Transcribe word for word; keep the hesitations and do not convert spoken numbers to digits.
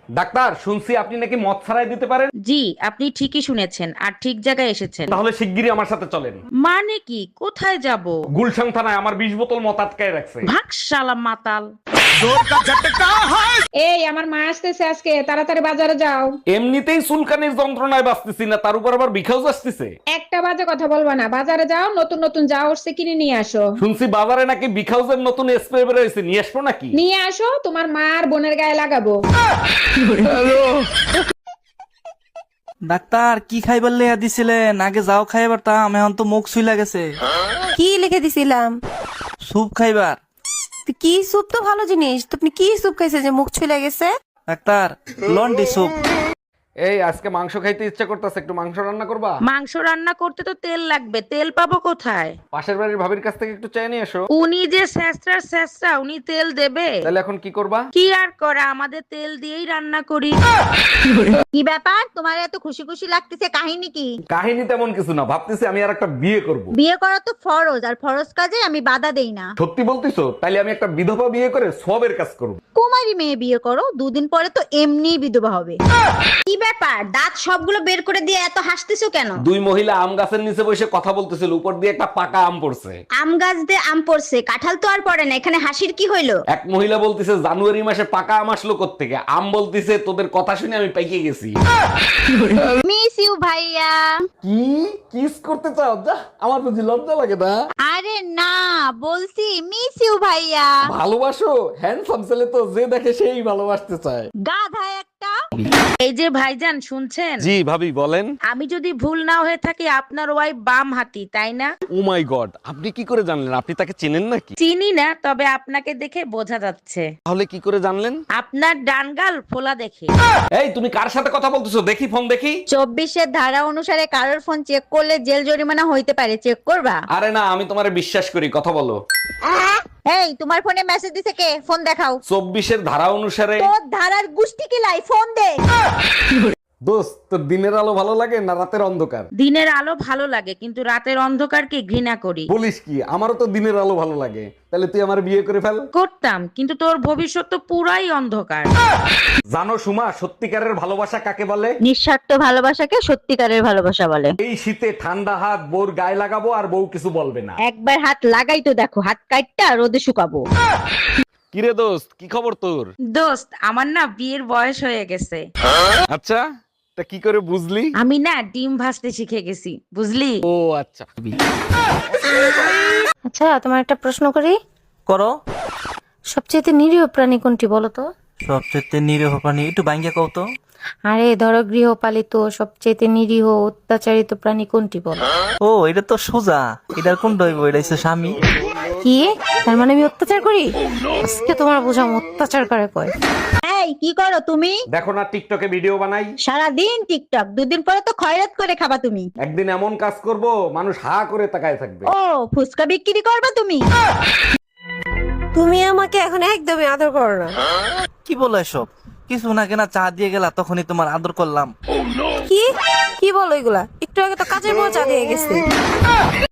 Doctor, শুনছি আপনি নাকি মদ ছাড়াই দিতে পারেন। জি, আপনি ঠিকই শুনেছেন আর ঠিক জায়গায় এসেছেন। তাহলে শিগগিরই আমার সাথে চলেন। মানে কি? কোথায় যাব? গুলশান থানায় আমার বিশ বোতল মদ আটকায় রাখছে। ভাগ শালা মাতাল। এই আমার মা আসতেছে আজকে, তাড়াতাড়ি বাজারে যাও। এমনিতেই চুলকানির যন্ত্রণায় বাঁচতেছি না, তার উপর আবার বিখাউজ আসতেছে। একটা বাজে কথা বলবা না, বাজারে যাও, নতুন নতুন যা উঠছে কিনে নিয়ে আসো। শুনছি বাজারে নাকি বিখাউজের নতুন স্প্রে বের হয়েছে, নিয়ে আসবো নাকি? নিয়ে আসো, তোমার মা আর বোনের গায়ে লাগাবো। ডাক্তার কি খাইবার লেয়া দিছিলেন? আগে যাও খাইবার তাম, এখন তো মুখ সুইলা গেছে। কি লিখে দিছিলাম? স্যুপ খাইবার। তো কি স্যুপ তো ভালো জিনিস, তুমি কি স্যুপ খাইছে যে মুখ ছুলে গেছে? ডাক্তার লন্ডি স্যুপ। এই আজকে মাংস খাইতে ইচ্ছা করতেছে, একটু মাংস রান্না করবা? মাংস রান্না করতে তো তেল লাগবে, তেল পাবো কোথায়? পাশের বাড়ির ভাবির কাছ থেকে একটু চেয়ে নিয়ে এসো। উনি যে স্যাঁচড়ার স্যাঁচড়া, উনি তেল দেবে? তাহলে এখন কি করবা? কি আর করা, আমাদের তেল দিয়েই রান্না করি। কি ব্যাপার, তোমার এত খুশি খুশি লাগতেছে, কাহিনী কি? কাহিনী তেমন কিছু না, ভাবতেছি আমি আর একটা বিয়ে করব। বিয়ে করা তো ফরজ, আর ফরজ কাজে আমি বাধা দেই না। সত্যি বলতিছো? তাইলে আমি একটা বিধবা বিয়ে করে সবের কাজ করব। কুমারী মেয়ে বিয়ে করো, দুদিন পরে তো এমনিই বিধবা হবে। কি ব্যাপার, দাঁত সবগুলো বের করে দিয়ে এত হাসতেছো কেন? দুই মহিলা আম গাছের নিচে বসে কথা বলতেছিল, উপর দিয়ে একটা পাকা আম পড়ছে। আম গাছ দিয়ে আম পড়ছে, কাঁঠাল তো আর পড়ে না, এখানে হাসির কি হইলো? এক মহিলা বলতেছে জানুয়ারি মাসে পাকা আম আসলো কোত্থেকে। আম বলতেছে তোদের কথা শুনে আমি পাইকে গেছি। মিস ইউ ভাইয়া। কি কিস করতে চাও? যা, আমার বুঝি লজ্জা লাগে না? আরে না, বলছি মিস ইউ ভাইয়া। ভালোবাসো? হ্যান্ডসাম ছেলে তো যে দেখে সেই ভালোবাসতে চায়। গাধা একটা। এই যে ভাইজান, শুনছেন? জি ভাবি বলেন। আমি যদি ভুল না হয়ে থাকি, আপনার ওয়াইফ বাম হাতি, তাই না? ও মাই গড, আপনি কি করে জানলেন? আপনি তাকে চেনেন নাকি? চিনি না, তবে আপনাকে দেখে বোঝা যাচ্ছে। তাহলে কি করে জানলেন? আপনার ডান গাল ফোলা দেখে। এই তুমি কার সাথে কথা বলতেছো? দেখি ফোন দেখি। চব্বিশের ধারা অনুসারে কারোর ফোন চেক করলে জেল জরিমানা হইতে পারে, চেক করবা? আরে না, আমি তোমারে বিশ্বাস করি, কথা বলো। এই তোমার ফোনে মেসেজ দিছে কে? ফোন দেখাও। চব্বিশের ধারা অনুসারে। তোর ধারার গুষ্টি কি লাই, ফোন দে। দোস্ত, তোর দিনের আলো ভালো লাগে না রাতের অন্ধকার? দিনের আলো ভালো লাগে, কিন্তু রাতের অন্ধকারকে ঘৃণা করি। বলিস কি? আমারও তো দিনের আলো ভালো লাগে। তাহলে তুই আমার বিয়ে করে ফেল। করতাম, কিন্তু তোর ভবিষ্যৎ তো পুরাই অন্ধকার। জানো সুমা, সত্যিকারের ভালোবাসা কাকে বলে? নিঃস্বার্থ ভালোবাসাকে সত্যিকারের ভালোবাসা বলে। এই শীতে ঠান্ডা হাত বউর গায়ে লাগাবো, আর বউ কিছু বলবে না। একবার হাত লাগাই তো দেখো, হাত কাটটা রোদে শুকাবো। কিরে দোস্ত, কি খবর তোর? দোস্ত, আমার না বিয়ের বয়স হয়ে গেছে। আচ্ছা, তা কি করে বুঝলি? আমি না ডিম ভাজতে শিখে গেছি, বুঝলি? ও আচ্ছা। আচ্ছা, তোমার একটা প্রশ্ন করি। করো। সবচেয়ে নিরীহ প্রাণী কোনটি বলো তো? সবচেয়ে নিরীহ প্রাণী একটু ভাঙ্গিয়া কও তো। আরে ধরো, গৃহপালিত সবচেয়ে নিরীহ অত্যাচারিত প্রাণী কোনটি বলো? ও এটা তো সোজা, এটার কোন দইব? এটা হচ্ছে স্বামী। কি? তার মানে আমি অত্যাচার করি? আজকে তোমার বোঝাম অত্যাচার করে কয়। এই কি করো তুমি? দেখো না, টিকটকে ভিডিও বানাই। সারাদিন টিকটক, দুদিন পরে তো খয়রাত করে খাবা তুমি। একদিন এমন কাজ করব, মানুষ হা করে তাকায় থাকবে। ও ফুসকা বিক্রি করবা তুমি? তুমি আমাকে এখন একদমই আদর করো না। কি বলো এসব? কিছু না কেনা চা দিয়ে গেলা, তখনই তোমার আদর করলাম। কি কি বলো এগুলা? একটু আগে তো কাজের বউ চা দিয়ে গেছে।